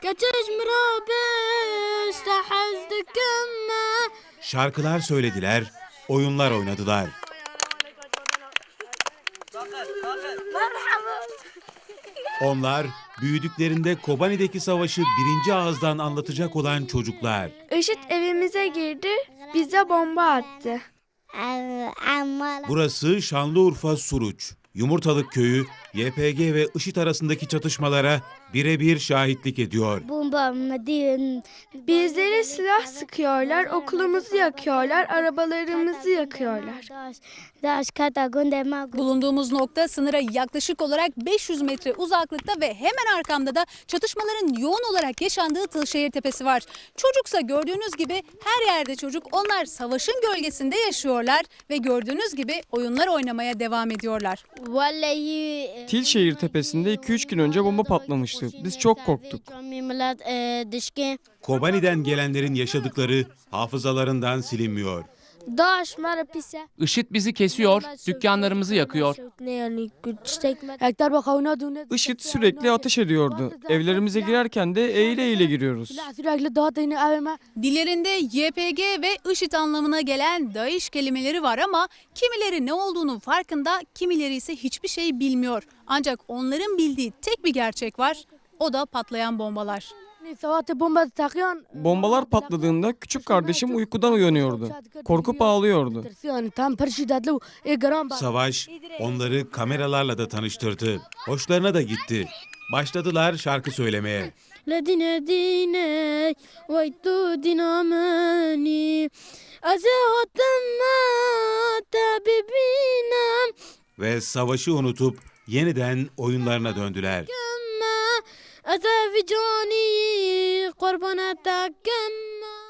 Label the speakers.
Speaker 1: Şarkılar söylediler, oyunlar oynadılar. Onlar büyüdüklerinde Kobani'deki savaşı birinci ağızdan anlatacak olan çocuklar.
Speaker 2: IŞİD evimize girdi, bize bomba attı.
Speaker 1: Burası Şanlıurfa Suruç. Yumurtalık köyü YPG ve IŞİD arasındaki çatışmalara birebir şahitlik ediyor.
Speaker 2: Bizlere silah sıkıyorlar, okulumuzu yakıyorlar, arabalarımızı yakıyorlar.
Speaker 3: Bulunduğumuz nokta sınıra yaklaşık olarak 500 metre uzaklıkta ve hemen arkamda da çatışmaların yoğun olarak yaşandığı Tılşehir Tepesi var. Çocuksa gördüğünüz gibi her yerde çocuk, onlar savaşın gölgesinde yaşıyorlar ve gördüğünüz gibi oyunlar oynamaya devam ediyorlar.
Speaker 4: Tilşehir Tepesi'nde 2-3 gün önce bomba patlamıştı. Biz çok korktuk.
Speaker 1: Kobani'den gelenlerin yaşadıkları hafızalarından silinmiyor.
Speaker 5: IŞİD bizi kesiyor, dükkanlarımızı yakıyor.
Speaker 4: IŞİD sürekli ateş ediyordu. Evlerimize girerken de eğile eğile giriyoruz.
Speaker 3: Dillerinde YPG ve IŞİD anlamına gelen DAEŞ kelimeleri var ama kimileri ne olduğunun farkında, kimileri ise hiçbir şey bilmiyor. Ancak onların bildiği tek bir gerçek var, o da patlayan bombalar.
Speaker 4: Bombalar patladığında küçük kardeşim uykudan uyanıyordu. Korkup ağlıyordu.
Speaker 1: Savaş onları kameralarla da tanıştırdı. Hoşlarına da gitti. Başladılar şarkı söylemeye. Ve savaşı unutup yeniden oyunlarına döndüler.
Speaker 2: أتى في جاني قربانتك كما